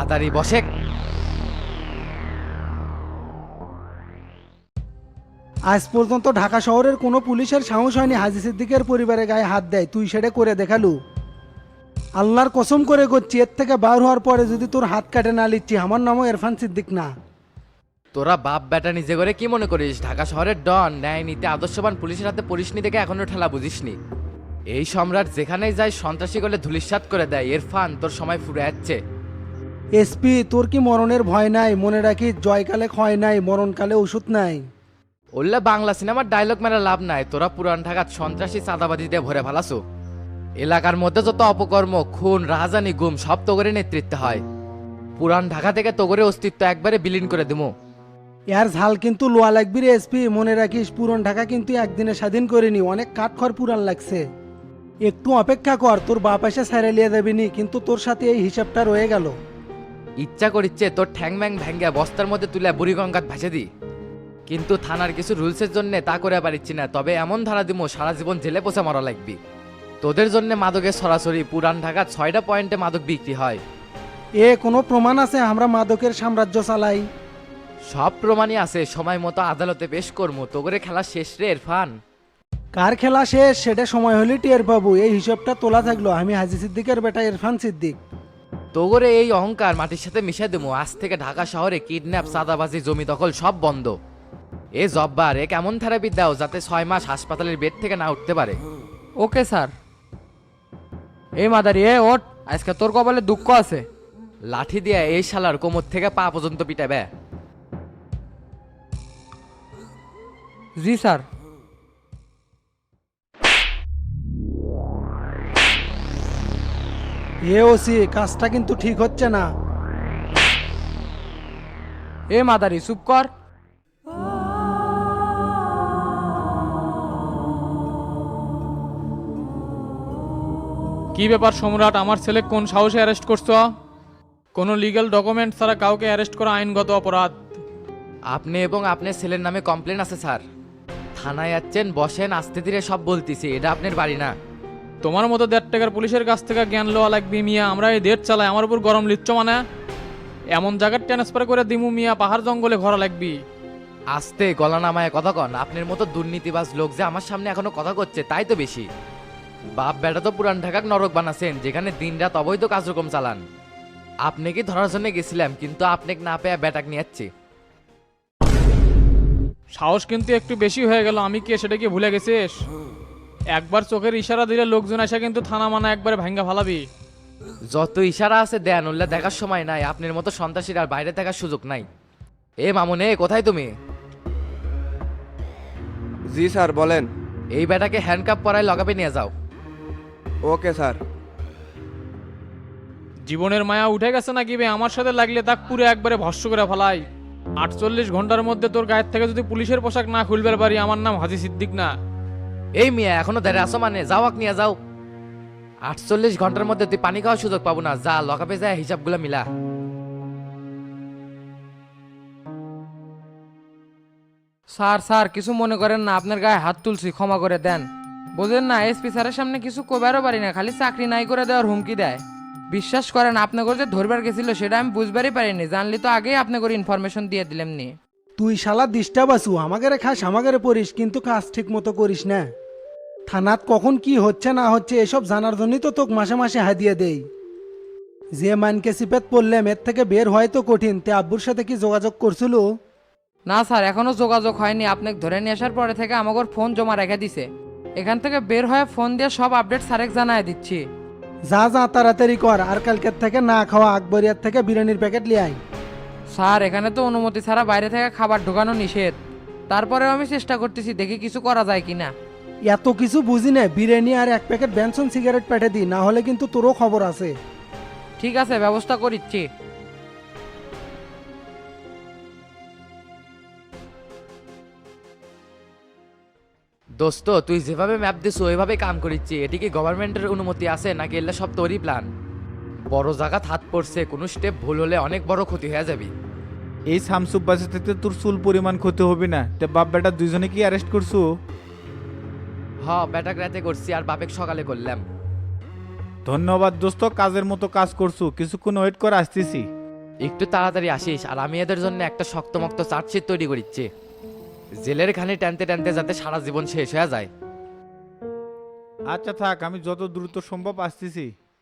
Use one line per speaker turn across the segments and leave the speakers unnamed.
মাদারি বসে।
আজ পর্যন্ত ঢাকা শহরের কোনো পুলিশের সাহস হয়নি হাজী সিদ্দিকের পরিবারের গায়ে হাত দেয়, তুই সেটা করে দেখালু। আল্লাহর কসম করে করছি, এর থেকে বার হওয়ার পরে যদি তোর হাত কাটে না লিচ্ছি, আমার নামও ইরফান সিদ্দিক না।
তোরা বাপ বেটা নিজে করে কি মনে করিস ঢাকা শহরের ডন ন্যায় নীতি আদর্শবান পুলিশের হাতে পড়িসনি দেখে এখনো ঠেলা বুঝিসনি। এই সম্রাট যেখানেই যায় সন্ত্রাসী করলে ধুলিস্বাত করে দেয়। ইরফান তোর সময় ফুরে যাচ্ছে।
এসপি, তোর কি মরণের ভয় নাই? মনে রাখিস, জয়কালে ক্ষয় নাই, মরণকালে ওষুধ নাই।
ওল্লা বাংলা সিনেমার ডায়লগ মেরা লাভ নাই। তোরা পুরান ঢাকার সন্ত্রাসী চাঁদাবাজি দিয়ে ভরে ফেলাছো। এলাকার মধ্যে যত অপকর্ম, খুন, রাহাজানি, গুম সব তোগরে নেতৃত্বে হয়। পুরান ঢাকা থেকে তোগরে অস্তিত্ব একবারে বিলীন করে দিমু।
এর ঝাল কিন্তু লোয়া লাগবি রে এসপি, মনে রাখিস পুরন ঢাকা কিন্তু একদিনে স্বাধীন করিনি, অনেক কাঠখড় পুরান লাগছে। একটু অপেক্ষা কর, তোর বাপ এসে ছেড়ে লিয়ে দেবিনি, কিন্তু তোর সাথে এই হিসাবটা রয়ে গেল।
ইচ্ছা করিচ্ছে তোর ঠ্যাং ম্যাং ভেঙ্গা বস্তার মধ্যে তুলে বুড়িগঙ্গাত ভাসে দি, কিন্তু থানার কিছু রুলসের জন্য তা করে পারিচ্ছি না। তবে এমন ধারা দিমো সারা জীবন জেলে পচে মরা লাগবি। তোদের জন্য মাদকের সরাসরি পুরান ঢাকার 6টা পয়েন্টে মাদক বিক্রি হয়।
কোনো প্রমাণ আছে আমরা মাদকের সাম্রাজ্য চালাই?
সব প্রমাণই আছে, সময় মতো আদালতে পেশ করবো। তোগরে খেলা শেষ রে ইরফান।
কার খেলা শেষ সেটা সময় হলে টের পাবো। এই হিসাবটা তোলা থাকলো, আমি হাজী সিদ্দিকের বেটা ইরফান সিদ্দিক।
তোগরে এই অহংকার মাটির সাথে মিশে দেবো। আজ থেকে ঢাকা শহরে কিডন্যাপ, চাঁদাবাজি, জমি দখল সব বন্ধ। এ জব্বার এ কেমন থেরাপি দাও যাতে 6 মাস হাসপাতালের বেড থেকে না উঠতে পারে।
Okay sir. এই মাদারি, ওঠ, আজকে তোর কপালে দুঃখ আছে।
লাঠি দিয়ে এই শালার কোমর থেকে পা পর্যন্ত পিটাবে।
জি স্যার।
ওসি, কাজটা কিন্তু ঠিক হচ্ছে না।
এ মাদারি চুপ কর।
কি ব্যাপার সম্রাট, আমার ছেলে কোন সাহসে অ্যারেস্ট করছো? কোনো লিগ্যাল ডকুমেন্ট ছাড়া কাউকে অ্যারেস্ট করা আইনগত অপরাধ।
আপনি এবং আপনার ছেলের নামে কমপ্লেন আছে স্যার। থানায় যাচ্ছেন, বসেন, আস্তে ধীরে সব বলতেছি। এটা আপনার বাড়ি না।
তোমার মতো 1.5 টাকার পুলিশের কাছ থেকে জ্ঞান লওয়া লাগবে মিয়া। আমরা এই দেশ চালাই, আমার উপর গরম লিচ্ছ মানে? এমন জায়গায় ট্রান্সফার করে দিমু মিয়া, পাহাড় জঙ্গলে ঘোরা লাগবি।
আস্তে গলা নামায় কথা কন। আপনার মতো দুর্নীতিবাজ লোক যে আমার সামনে এখনো কথা করছে তাই তো বেশি। বাপ বেটা তো পুরান ঢাকার নরক বানাচ্ছেন, যেখানে দিনরাত অবৈধ কার্যক্রম চালান। আপনি কি ধরার জন্য গেছিলাম, কিন্তু আপনাকে না পেয়ে বেটাক নিয়ে যাচ্ছি।
সাহস কিন্তু একটু বেশি হয়ে গেল। আমি কি সেটা কি ভুলে গেছিস? একবার চোখের ইশারা দিলে লোকজন এসে কিন্তু থানা মানা একবারে ভাঙ্গা ফালাবি।
যত ইশারা আছে দেন, উল্লা দেখার সময় নাই। আপনার মতো সন্ত্রাসীর আর বাইরে থাকার সুযোগ নাই। এ মামুনে, কোথায় তুমি?
জি স্যার, বলেন।
এই বেটাকে হ্যান্ডকাপ পরায় লগাবে নিয়ে যাও।
Okay sir.
জীবনের মায়া উঠে গেছে নাকি বে? আমার সাথে লাগলে তাক পুরো একবারে ভস্ম করে ফেলাই। 48 ঘন্টার মধ্যে তোর গায়ের থেকে যদি পুলিশের পোশাক না খুলবে পারি, আমার নাম হাজী সিদ্দিক না।
এই মিয়া এখনো দাঁড়িয়ে আসো মানে? যাওয়াক নিয়ে যাও। 48 ঘন্টার মধ্যে তুই পানি খাওয়ার সুযোগ পাবো না। যা, লকাপে যায় হিসাবগুলো মিলা।
স্যার স্যার, কিছু মনে করেন না, আপনার গায়ে হাত তুলছি, ক্ষমা করে দেন। বোঝেন না, এসপি স্যারের সামনে কিছু কবারও পারি না, খালি চাকরি নাই করে দেওয়ার হুমকি দেয়। বিশ্বাস করেন, আপনাকে যে ধরবার গেছিল সেটা আমি বুঝবারই পারিনি। জানলি তো আগেই আপনাকে ইনফরমেশন দিয়ে দিলাম নি।
তুই শালা ডিস্টার্ব আছু, আমাকে খাস আমাকে পড়িস, কিন্তু কাজ ঠিক মতো করিস না। থানাত কখন কি হচ্ছে না হচ্ছে এসব জানার জন্যই তো তোকে মাসে মাসে হাদিয়ে দেই। যে মানকে সিপেত পড়লাম, এর থেকে বের হয় তো কঠিন। তে আব্বুর সাথে কি যোগাযোগ করছিল?
না স্যার, এখনো যোগাযোগ হয়নি। আপনাকে ধরে নিয়ে আসার পরে থেকে আমাকে ফোন জমা রেখে দিছে। এখান থেকে বের হয়ে ফোন দিয়ে সব আপডেট স্যারেক জানায় দিচ্ছি।
যা যা তাড়াতাড়ি কর, আর কালকের থেকে না খাওয়া আকবরিয়ার থেকে বিরিয়ানির প্যাকেট লিয়ে আয়।
স্যার, এখানে তো অনুমতি ছাড়া বাইরে থেকে খাবার ঢোকানো নিষেধ। তারপরেও আমি চেষ্টা করতেছি, দেখি কিছু করা যায় কিনা।
এত কিছু বুঝি না, বিরিয়ানি আর 1 প্যাকেট বেনসন সিগারেট পেটে দি, না হলে কিন্তু তোরও খবর আছে।
ঠিক আছে, ব্যবস্থা করিচ্ছি।
দোস্ত, তুই যেভাবে ম্যাপ দিস ওইভাবে কাম করিচ্ছি। এটি কি গভর্নমেন্টের অনুমতি আছে নাকি এলে সব তোরই প্ল্যান? বড় জায়গা হাত পড়ছে, কোনো স্টেপ ভুল হলে অনেক বড় ক্ষতি হয়ে যাবে।
এই শামসুব বাসে থেকে তোর চুল পরিমাণ ক্ষতি হবে না। তে বাপ বেটা দুইজনে কি অ্যারেস্ট করছো?
হ, বেটাক রাতে করছি আর বাপেক সকালে করলাম।
ধন্যবাদ দোস্ত, কাজের মতো কাজ করছো। কিছুক্ষণ ওয়েট করে আসতেছি।
একটু তাড়াতাড়ি আসিস, আর আমি এদের জন্য একটা শক্তমক্ত চার্জশিট তৈরি করিচ্ছি। জেলের ঘানি টানতে টানতে যাতে সারা জীবন শেষ হয়ে যায়।
আচ্ছা থাক, আমি যত দ্রুত সম্ভব আসতেছি।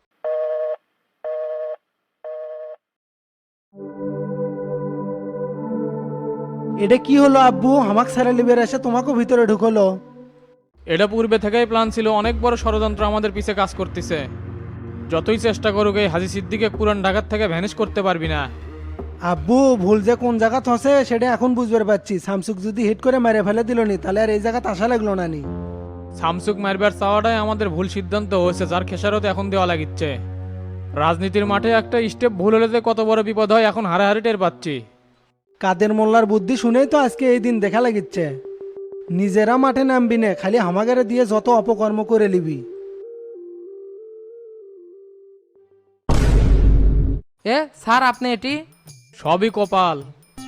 এটা কি হলো আব্বু, আমাকে ছেড়ে লিবের এসে তোমাকেও ভিতরে ঢুকলো?
এটা পূর্বে থেকেই প্ল্যান ছিল, অনেক বড় ষড়যন্ত্র আমাদের পিছে কাজ করতেছে। যতই চেষ্টা করুক এই হাজি সিদ্দিকে পুরান ঢাকার থেকে ভ্যানিশ করতে পারবি না।
আব্বু ভুল যে কোন জায়গা হসে সেটা এখন বুঝতে পারছি। স্যামসুং যদি হিট করে মেরে ফেলে দিল নি তাহলে আর এই জায়গাতে আসা লাগলো না নি।
সামসুক মারবার চাওয়াটাই আমাদের ভুল সিদ্ধান্ত হয়েছে, যার খেসারত এখন দেওয়া লাগিচ্ছে। রাজনীতির মাঠে একটা স্টেপ ভুল হলে যে কত বড় বিপদ হয় এখন হারাহারি টের পাচ্ছি।
কাদের মোল্লার বুদ্ধি শুনেই তো আজকে এই দিন দেখা লাগিচ্ছে। নিজেরা মাঠে নামবি না, খালি হামাগারে দিয়ে যত অপকর্ম করে লিবি।
এ স্যার আপনি এটি
সবই কপাল।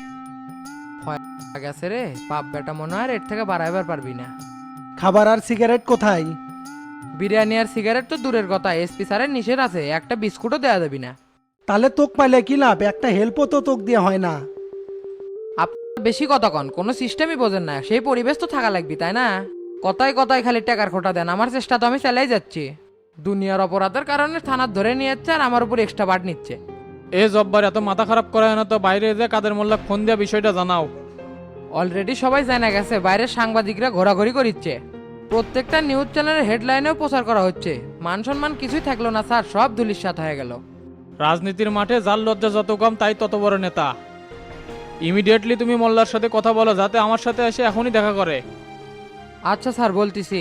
গেছে রে বাপ বেটা, মনে হয় এর থেকে বাড়াইবার পারবি না।
খাবার আর সিগারেট কোথায়?
বিরিয়ানি আর সিগারেট তো দূরের কথা, এসপি স্যারের নিষেধ আছে, একটা বিস্কুটও দেওয়া যাবি না।
তাহলে তোক পাইলে কি লাভ, একটা হেল্পও তো তোক দিয়ে হয় না।
আপনার বেশি কথা কন, কোনো সিস্টেমই বোঝেন না। সেই পরিবেশ তো থাকা লাগবে তাই না? কথায় কথায় খালি টাকার খোটা দেন, আমার চেষ্টা তো আমি চালাই যাচ্ছি। দুনিয়ার অপরাধের কারণে থানার ধরে নিয়ে যাচ্ছে আর আমার উপর এক্সট্রা বাট নিচ্ছে।
এ জব্বার এত মাথা খারাপ করা হয় না তো, বাইরে যে কাদের মোল্লা ফোন দেওয়া বিষয়টা জানাও।
অলরেডি সবাই জানা গেছে, বাইরের সাংবাদিকরা ঘোরাঘুরি করিচ্ছে, প্রত্যেকটা নিউজ চ্যানেলের হেডলাইনেও প্রচার করা হচ্ছে। মান সম্মান কিছুই থাকলো না স্যার, সব ধুলিস্যাৎ হয়ে গেল।
রাজনীতির মাঠে যার লজ্জা যত কম তাই তত বড় নেতা। ইমিডিয়েটলি তুমি মোল্লার সাথে কথা বলো, যাতে আমার সাথে এসে এখনই দেখা করে।
আচ্ছা স্যার বলতেছি।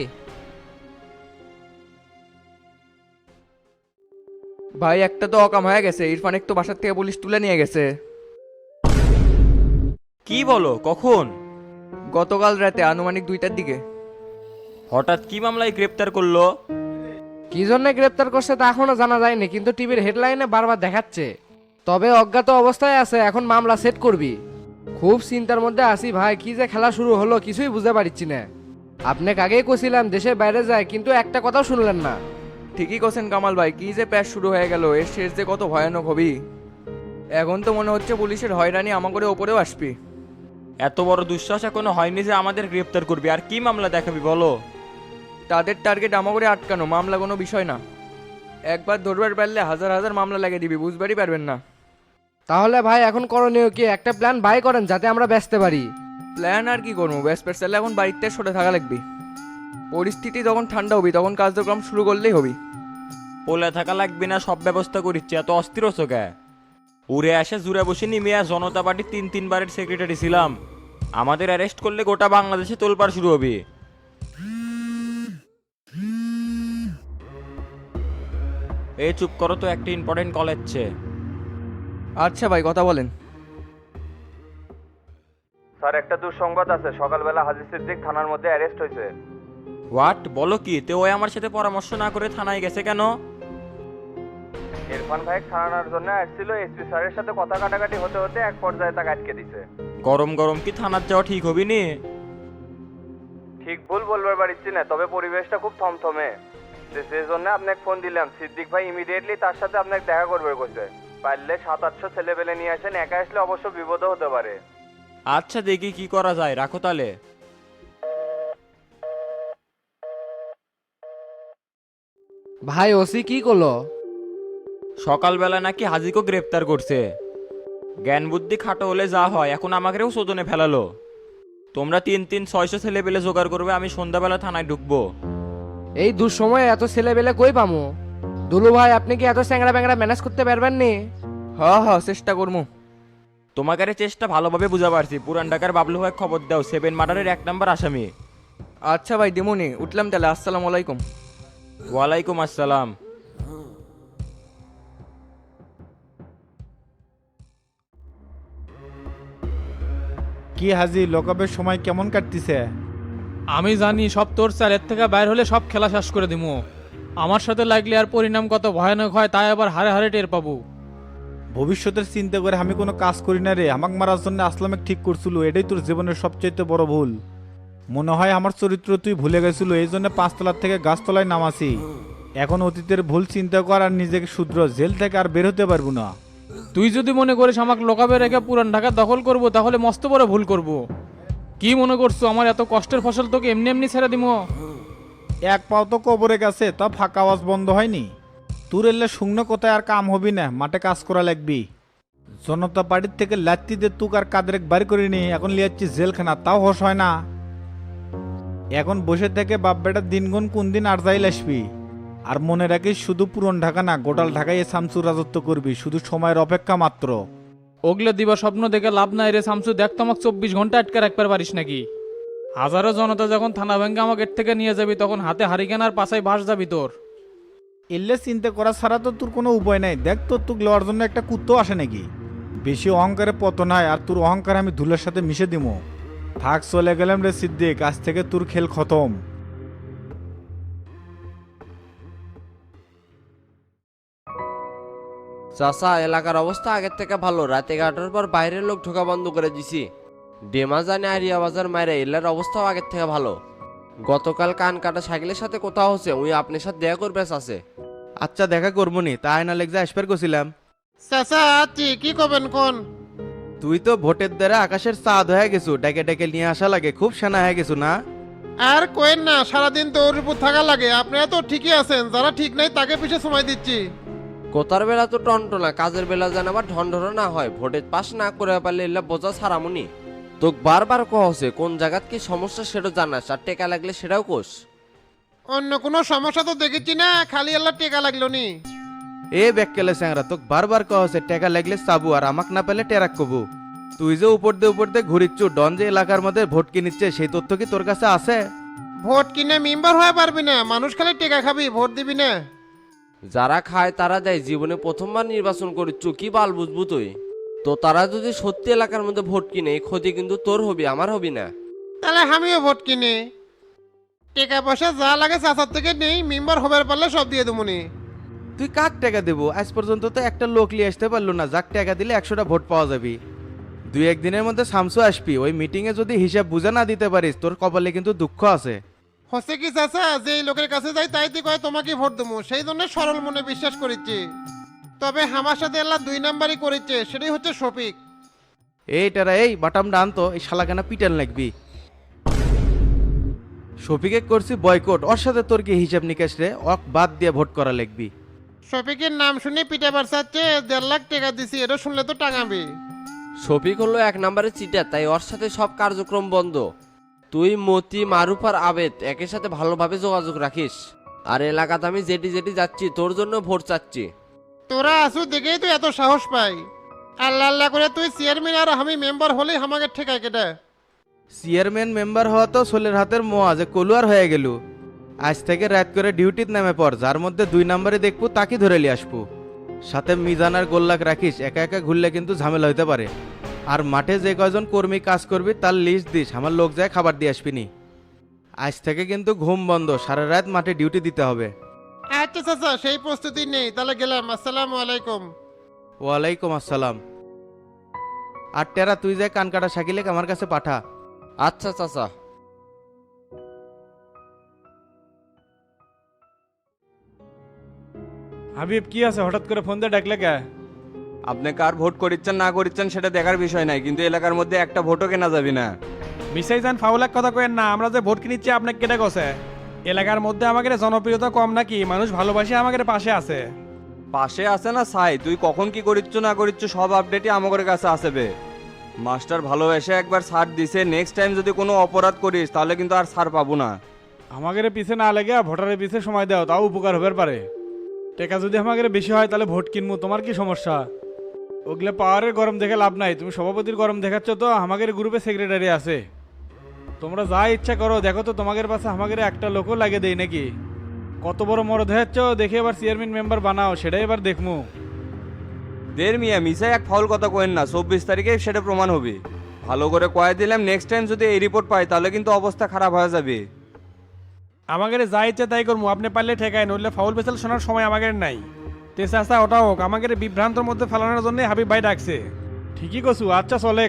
ভাই একটা তো অকাম হয়ে গেছে, ইরফানের তো বাসার থেকে পুলিশ তুলে নিয়ে গেছে।
কি বলো, কখন?
গতকাল রাতে আনুমানিক 2টার দিকে।
হঠাৎ কি মামলায় গ্রেপ্তার করলো?
কি জন্য গ্রেপ্তার করছে তা এখনো জানা যায়নি, কিন্তু টিভির হেডলাইনে বারবার দেখাচ্ছে। তবে অজ্ঞাত অবস্থায় আছে, এখন মামলা সেট করবি। খুব চিন্তার মধ্যে আছি ভাই, কি যে খেলা শুরু হলো কিছুই বুঝতে পারছি না। আপনাকে আগেই কছিলাম দেশের বাইরে যায়, কিন্তু একটা কথাও শুনলেন না।
ঠিকই কোসেন কামাল ভাই, কি যে প্যাচ শুরু হয়ে গেল, এর শেষ যে কত ভয়ানক হবি। এখন তো মনে হচ্ছে পুলিশের হয়রানি আমাদের ওপরেও আসবি।
এত বড় দুঃসাহস এখনো হয়নি যে আমাদের গ্রেপ্তার করবি, আর কি মামলা দেখাবি বলো?
তাদের টার্গেট আমাকে আটকানো, মামলা কোনো বিষয় না। একবার ধরবার পারলে হাজার হাজার মামলা লাগিয়ে দিবি, বুঝবারই পারবেন না।
তাহলে ভাই এখন করণীয় কি, একটা প্ল্যান বাই করেন যাতে আমরা বেচতে পারি।
প্ল্যান আর কি করবো, ব্যাসপের চাইলে এখন বাড়িতে সরে থাকা লাগবে। পরিস্থিতি যখন ঠান্ডা হবি তখন কার্যক্রম শুরু করলেই হবি।
পোলে থাকা লাগবে না, সব ব্যবস্থা করিচ্ছে, এত অস্থির হচ্ছ কে? উড়ে আসে জুড়ে বসে নিমিয়া জনতা পার্টির 3 বারের সেক্রেটারি ছিলাম। আমাদের অ্যারেস্ট করলে গোটা বাংলাদেশে তোলপাড় শুরু হবে। এই চুপ করো তো, একটা ইম্পর্টেন্ট কল এসছে।
আচ্ছা ভাই কথা বলেন। স্যার একটা দুঃসংবাদ আছে, সকালবেলা হাজি সিদ্দিক থানার মধ্যে অ্যারেস্ট হয়েছে।
হোয়াট, বলো কি? তে ওই আমার সাথে পরামর্শ না করে থানায় গেছে কেন?
ইরফান ভাই থানার জন্য আসছিল, এসপি স্যারের সাথে কথা কাটাকাটি হতে হতে এক পর্যায়ে তাকে আটকে দিছে।
গরম গরম কি থানার যাওয়া ঠিক হবি নি?
ঠিক ভুল বলবার পারছি না, তবে পরিবেশটা খুব থমথমে। সেই জন্য আপনাকে ফোন দিলাম। সিদ্দিক ভাই ইমিডিয়েটলি তার সাথে আপনাকে দেখা করবে কইছে। পারলে 700-800 ছেলেপেলে নিয়ে আসেন, একা আসলে অবশ্য বিপদও হতে পারে।
আচ্ছা দেখি কি করা যায়, রাখো তাহলে।
ভাই ওসি কি করলো?
সকালবেলা নাকি হাজিকে গ্রেপ্তার করছে। জ্ঞান বুদ্ধি খাটো হলে যা হয়, এখন আমাকেও শোধনে ফেলালো। তোমরা 3-600 ছেলে পেলে জোগাড় করবে, আমি সন্ধ্যাবেলা থানায় ঢুকবো।
এই দুঃসময়ে এত ছেলে বেলে কই পামু? দুলু ভাই আপনি কি এত চ্যাংরা ব্যাংরা ম্যানেজ করতে পারবেন নি?
হ্যাঁ চেষ্টা করবো।
তোমাকে চেষ্টা ভালোভাবে বুঝা পারছি। পুরান ঢাকার বাবলু ভাই খবর দাও, 7 মার্ডারের 1 নম্বর আসামি।
আচ্ছা ভাই দিমুনি, উঠলাম তাহলে। আসসালামু আলাইকুম।
ওয়ালাইকুম আসসালাম।
কি হাজি, লকআপের সময় কেমন কাটতিছে?
আমি জানি সব তোর স্যার, এর থেকে বাইর হলে সব খেলা শেষ করে দিমু। আমার সাথে লাগলে আর পরিণাম কত ভয়ানক হয় তাই আবার হারে হারে টের পাবো।
ভবিষ্যতের চিন্তা করে আমি কোনো কাজ করি না রে। আমাকে মারার জন্য আসলামে ঠিক করছিল, এটাই তোর জীবনের সবচেয়ে বড় ভুল। মনে হয় আমার চরিত্র তুই ভুলে গেছিল, এই জন্য 5 তলার থেকে গাছতলায় নামাছি। এখন অতীতের ভুল চিন্তা কর আর নিজেকে শুধরো, জেল থেকে আর বের হতে পারবো না।
তুই যদি মনে করিস আমাকে লোকাবে রেখে পুরান ঢাকা দখল করব তাহলে মস্ত বড় ভুল করব। কি মনে করছো আমার এত কষ্টের ফসল তোকে এমনি এমনি ছেড়ে দিমো?
এক পাও তো কবরে গেছে, তা ফাঁকা আওয়াজ বন্ধ হয়নি। তোর এলে শুকনো কোথায় আর কাম হবি না, মাঠে কাজ করা লাগবি। জনতা পার্টির থেকে লাত্তিদের তুক আর কাদের বাড়ি করিনি, এখন লিয়াচ্ছি জেলখানা, তাও হোশ হয় না। এখন বসে থেকে বাপ বেটার দিনগুন কোন দিন আর যাইল আসবি। আর মনে রাখিস শুধু পুরন ঢাকা না, গোটাল ঢাকায় শামসুর রাজত্ব করবি, শুধু সময়ের অপেক্ষা মাত্র।
ওগলে দিবা স্বপ্ন দেখে লাভ নাই রে শামসু, দেখ তো আমাকে 24 ঘন্টা আটকে রাখতে পারিস নাকি? হাজারো জনতা যখন থানা ভেঙ্গে আমাকে এর থেকে নিয়ে যাবি তখন হাতে হারিকেন আর পাশায় বাস যাবি তোর।
এলে চিন্তা করা ছাড়া তো তোর কোনো উপায় নাই। দেখ তোর তুক লওয়ার জন্য একটা কুত্তো আসে নাকি? বেশি অহংকারে পতন হয়, আর তোর অহংকার আমি ধুলের সাথে মিশে দিমো। থাক, চলে গেলাম রে সিদ্দিক, আজ থেকে তোর খেল খতম।
চাচা, এলাকার অবস্থা আগের থেকে ভালো। রাতে 11টার পর বাইরের লোক ঢোকা বন্ধ করে দিছি। ডেমা জানে আরিয়া বাজার মায়েরা এলার অবস্থাও আগের থেকে ভালো। গতকাল কান কাটা সাইকেলের সাথে কোথাও হচ্ছে, ওই আপনার সাথে দেখা করবে আছে।
আচ্ছা, দেখা করবো নি, তাই না লেগজা আসবার গেছিলাম।
চাচা আছি, কি করবেন কোন?
তুই তো ভোটের দ্বারা আকাশের চাঁদ হয়ে গেছু, ডেকে ডেকে নিয়ে আসা লাগে, খুব সেনা হয়ে গেছু না?
আর কোয়েন না, সারাদিন তো ওর উপর থাকা লাগে। আপনারা তো ঠিকই আছেন, যারা ঠিক নাই তাকে পিছিয়ে সময় দিচ্ছি।
কোতার বেলা তো টনটনা, কাজের বেলা যেন আবার ঢনঢনা না হয়। ভোটের পাশ না করে পারলে এলা বোঝা ছাড়ামুনি। তোকে বারবার কহছে কোন জায়গাত কি সমস্যা সেটা জানাস, আর টেকা লাগলে সেটাও কোষ।
অন্য কোনো সমস্যা তো দেখেছি না, খালি আল্লাহ টেকা লাগলো নি।
এ ব্যাককেলে স্যাংরা, তোকে বারবার কহছে টাকা লাগলে চাবু, আর আমাক না পেলে টেরাক কবু। তুই যে উপর দিয়ে ঘুরিচ্ছু, ডন যে এলাকার মধ্যে ভোট কিনিচ্ছে, সেই তথ্য কি তোর কাছে আছে?
ভোট কিনে মেম্বার হয়ে পারবি না, মানুষ খালি টেকা খাবি, ভোট দিবি না।
যারা খায় তারা দেয়, জীবনে প্রথমবার নির্বাচন করিচ্ছু, কি বাল বুঝবু তুই? তো তারা যদি সত্যি এলাকার মধ্যে ভোট কিনে, এই ক্ষতি কিন্তু তোর হবি, আমার হবি না।
তাহলে আমিও ভোট কিনে টেকা পয়সা যা লাগে চাচার থেকে নেই, মেম্বার হবার পারলে সব দিয়ে দেবনি।
তুই কাক টাকা দেবো? আজ পর্যন্ত তো একটা লোক নিয়ে আসতে পারলো না, যাক টাকা দিলে 100টা ভোট পাওয়া যাবে। 2-1 দিনের মধ্যে শামসু আসবি, ওই মিটিংয়ে যদি হিসাব বুঝে না দিতে পারিস, তোর কপালে কিন্তু দুঃখ আছে।
হচ্ছে কি চাচা, যে লোকের কাছে যাই তাই তুই কয় তোমাকে ভোট দেবো, সেই জন্য সরল মনে বিশ্বাস করিচ্ছি। তবে আমার সাথে আল্লাহ 2 নাম্বারই করেছে, সেটাই হচ্ছে শফিক।
এইটারা, এই বাটাম ডান তো, এই শালাখানা পিটান লাগবি। শফিকে করছি বয়কট, ওর সাথে তোর কি হিসাব নিকাশ রে? অক বাদ দিয়ে ভোট করা লাগবি।
শফিকের নাম শুনে পিঠে বাড়ছাচ্ছে, 1.5 লাখ টাকা দিছি, এটা শুনলে তো টাঙাবি।
শফিক হলো 1 নম্বরের চিটার, তাই ওর সাথে সব কার্যক্রম বন্ধ। তুই মতি, মারুফ আর আবেদ একের সাথে ভালোভাবে যোগাযোগ রাখিস। আর এলাকাতে আমি যেটি যেটি যাচ্ছি তোর জন্য ভোট চাচ্ছি।
তোরা আসু দেখেই তো এত সাহস পাই। আল্লাহ আল্লাহ করে তুই চেয়ারম্যান আর আমি মেম্বার হলেই আমাকে ঠেকায় কেটে।
চেয়ারম্যান মেম্বার হওয়া তো সোলের হাতের মোয়া, যে কলুয়ার হয়ে গেল। আজ থেকে রাত করে ডিউটিতে নেমে পর, যার মধ্যে 2 নম্বরে দেখবো তাকে ধরে নিয়ে আসবো। সাথে মিজান আর গোল্লাক রাখিস, একা একা ঘুরলে কিন্তু ঝামেলা হইতে পারে। আর মাঠে যে কয়জন কর্মী কাজ করবি তার লিস্ট দিস, আমার লোক যায় খাবার দিয়ে আসবিনি। আজ থেকে কিন্তু ঘুম বন্ধ, সারা রাত মাঠে ডিউটি দিতে হবে।
আচ্ছা চাচা, সেই প্রস্তুতি নেই, তাহলে গেলাম। আসসালামু আলাইকুম।
ওয়ালাইকুম আসসালাম। আর টেরা, তুই যায় কান কাটা শাকিলে আমার কাছে পাঠা।
আচ্ছা চাচা।
হাবিব, কি আছে হঠাৎ করে ফোন দিয়ে ডাকলে কে?
আপনি কার ভোট করিচ্ছেন না করিচ্ছেন সেটা দেখার বিষয় নাই, কিন্তু এলাকার মধ্যে একটা ভোটও কেনা যাবে না।
মিসাই যান ফাউলাক কথা কয়েন না, আমরা যে ভোট কিনিচ্ছি আপনাকে কেটে গেছে। এলাকার মধ্যে আমাদের জনপ্রিয়তা কম নাকি? মানুষ ভালোবাসে আমাদের পাশে আছে।
পাশে আছে না ছাই, তুই কখন কি করিচ্ছ না করিচ্ছ সব আপডেটই আমাদের কাছে আসবে। মাস্টার ভালোবেসে একবার ছাড় দিছে, নেক্সট টাইম যদি কোনো অপরাধ করিস তাহলে কিন্তু আর ছাড় পাবো না।
আমাদের পিছে না লেগে ভোটারের পিছে সময় দাও, তাও উপকার হবার পারে। টাকা যদি আমাদের বেশি হয় তাহলে ভোট কিনবো, তোমার কি সমস্যা? ওগুলো পাওয়ারের গরম দেখে লাভ নাই, তুমি সভাপতির গরম দেখাচ্ছ তো। আমাদের গ্রুপে সেক্রেটারি আছে, তোমরা যা ইচ্ছা করো। দেখো তো তোমাদের পাশে আমাদের একটা লোকও লাগে দেই নাকি? কত বড় মরদ হয়েছ, দেখে এবার চেয়ারম্যান মেম্বার বানাও, সেটাই এবার দেখমু।
মিয়া মিসাই এক ফাউল কথা কয়েন না, 24 তারিখে সেটা প্রমাণ হবে। ভালো করে কয়ে দিলাম, নেক্সট টাইম যদি এই রিপোর্ট পাই তাহলে কিন্তু অবস্থা খারাপ হয়ে যাবে।
আমাদের যা ইচ্ছা তাই করবো, আপনি পারলে ঠেকায়, নইলে ফাউল পেছাল শোনার সময় আমাদের নাই। তেসা আসা ওটা হোক, আমাদের বিভ্রান্তর মধ্যে ফেলানোর জন্য হাবিব ভাই ডাকছে। ঠিকই কছু, আচ্ছা চলে।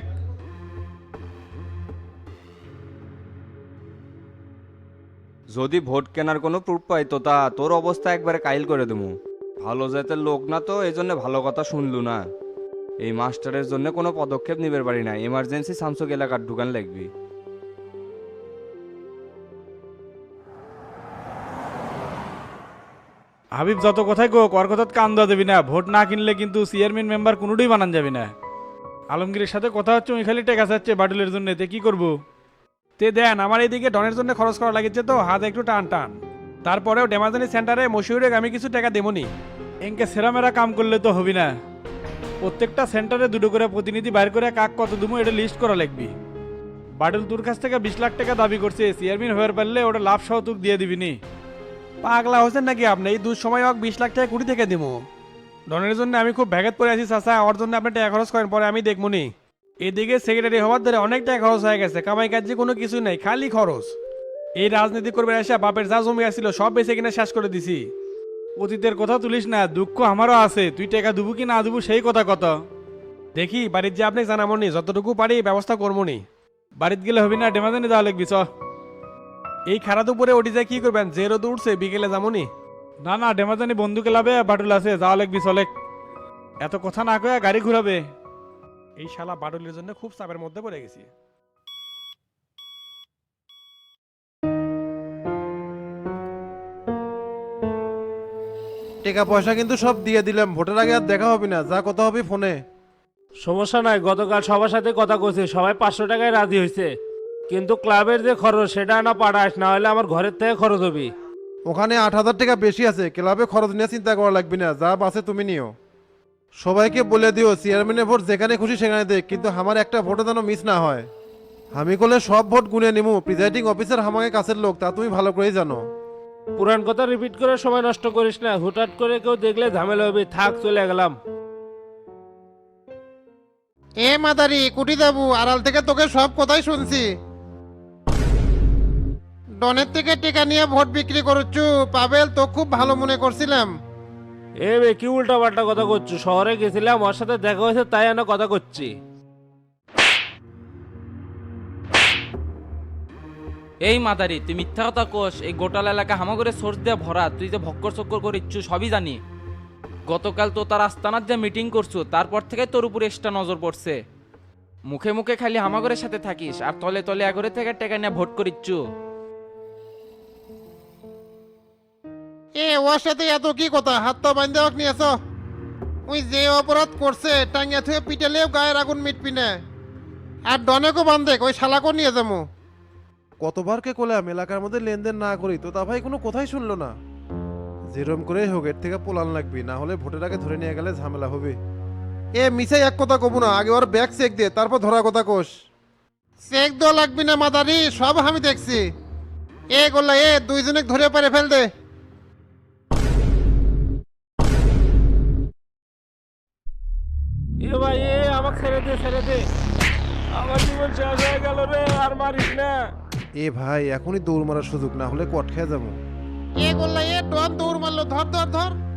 যদি ভোট কেনার কোনো প্রুফ পাই তো তোর অবস্থা একবারে কাইল করে দেবো। ভালো জাতের লোক না তো, এই জন্য ভালো কথা শুনলু না।
এই মাস্টারের জন্য কোনো পদক্ষেপ নিতে পারি না, এমার্জেন্সি সামসুক এলাকার ঢুকান লাগবি।
হাবিব যত কথাই গো কর কথা কান দেওয়া দেবি না, ভোট না কিনলে কিন্তু চেয়ারম্যান মেম্বার কোনোটাই বানান যাবে না। আলমগীরের সাথে কথা হচ্ছে, ওই খালি টেকা চাচ্ছে বাটুলের জন্য, তে কি করবো?
তে দেন আমার এইদিকে ডনের জন্য খরচ করা লাগিচ্ছে তো হাত একটু টান টান। তারপরেও ডেমাজানি সেন্টারে মশিউরে আমি কিছু টাকা দেবনি।
এনকে সেরামেরা কাম করলে তো হবি না, প্রত্যেকটা সেন্টারে দুটো করে প্রতিনিধি বাইর করে কাক কত দুমো এটা লিস্ট করা লাগবি। বাটুল তোর কাছ থেকে 20 লাখ টাকা দাবি করছে, চেয়ারম্যান হয়ে পারলে ওটা লাভ সহ তুক দিয়ে দিবিনি।
পাগলা হোসেন নাকি আপনি? এই দুঃসময় হোক 20 লাখ টাকা কুড়ি থেকে দেবো। ডনের জন্য আমি খুব ব্যাঘাত পড়ে আছি চাচা, ওর জন্য আপনি টাকা খরচ করেন, পরে আমি দেখবো নি। এদিকে সেক্রেটারি হওয়ার ধরে অনেক টাকা খরচ হয়ে গেছে, কামাই কাজে কোনো কিছু নেই, খালি খরচ। এই রাজনীতি করবে এসে বাপের যা জমি আসছিল সব বেঁচে কিনা শেষ করে দিছি।
অতীতের কথা তুলিস না, দুঃখ আমারও আছে, তুই টাকা দেবো কি না দেবো সেই কথা কত।
দেখি বাড়ির যে আপনি জানাবো নি, যতটুকু পারি ব্যবস্থা করবো নি।
বাড়িতে গেলে হবি না, ডেমাজানি যাওয়া লাগবি চ।
এই খারাপ দুপুরে ওটি যায় কি করবেন? যে রোদ উঠছে বিকেলে যাবো নি।
না না, ডেমাজানি বন্ধুকে লাভে বাটুল আছে, যাওয়া লাগবি চলে। এত কথা না কয়ে গাড়ি ঘুরাবে।
এই শালা বাডলির জন্য খুব চাপের মধ্যে পড়ে গেছি।
টাকা পয়সা কিন্তু সব দিয়ে দিলাম, ভোটের আগে আর দেখা হবে না, যা কথা হবে ফোনে।
সমস্যা নাই, গতকাল সবার সাথে কথা কইছি, সবাই 500 টাকায় রাজি হয়েছে। কিন্তু ক্লাবের যে খরচ সেটা না পাঠাস, না হলে আমার ঘরের থেকে খরচ হবি।
ওখানে 8,000 টাকা বেশি আছে, ক্লাবে খরচ নিয়ে চিন্তা করা লাগবে না, যা বাসে তুমি নিও। সবাইকে বলে দিও চেয়ারম্যানের ভোট যেখানে খুশি সেখানে দেখ, কিন্তু আমার একটা ভোটও যেন মিস না হয়। আমি করলে সব ভোট গুনে নিমু, প্রিজাইডিং অফিসার আমাকে কাছের লোক, তা তুমি ভালো করেই জানো।
পুরান কথা রিপিট করে সময় নষ্ট করিস না, হুটহাট করে কেউ দেখলে ঝামেলা হবে। থাক, চলে গেলাম।
এ মাদারি কুটি যাবো, আড়াল থেকে তোকে সব কথাই শুনছি। ডনের থেকে টেকা নিয়ে ভোট বিক্রি করছু, পাবেল তো খুব ভালো মনে করছিলাম।
এ বে, কি উল্টা পাল্টা কথা করছো? শহরে গেছিলাম, ওর সাথে দেখা হয়েছে, তাই আমি কথা করছি।
এই মাদারি, তুই মিথ্যা কথা কোষ। এই গোটাল এলাকা হামাগরে সোর্স দিয়ে ভরা, তুই যে ভক্কর চক্কর করিচ্ছু সবই জানি। গতকাল তো তার আস্তানার যে মিটিং করছো, তারপর থেকে তোর উপর এক্সট্রা নজর পড়ছে। মুখে মুখে খালি হামাগরের সাথে থাকিস, আর তলে তলে আগরে থেকে টাকা নিয়ে ভোট করিচ্ছু।
ওর সাথে এত কি কথা? হাত তো বান্ধে ওকে নিয়েছ। ওই যে অপরাধ করছে টাঙ্গিয়া থুয়ে পিটালেও গায়ের আগুন মিটবি না। আর ডনেকও বান্ধে, ওই শালাকও নিয়ে যাবো।
কতবার কে কোলাম এলাকার মধ্যে লেনদেন না করি, তো তা ভাই কোনো কথাই শুনলো না। যেরম করেই হোক এর থেকে পোলান লাগবি, না হলে ভোটের আগে ধরে নিয়ে গেলে ঝামেলা হবে। মিসাই এক কথা কব না, আগে ওর ব্যাগ চেক দে, তারপর ধরা কথা কোষ।
চেক দেওয়া লাগবি না মাদারি, সব আমি দেখছি। গোল্লা দুইজনে ধরে পারে ফেল দে।
এ ভাই, আমাকে ছেড়ে দে, ছেড়ে দে। আমার জীবন শেষ হয়ে গেল রে, আর মারিস না।
ভাই এখনই দৌড় মারার সুযোগ, না হলে কট খেয়ে যাবো।
গোল্লা ডন দৌড় মারলো, ধর ধর ধর।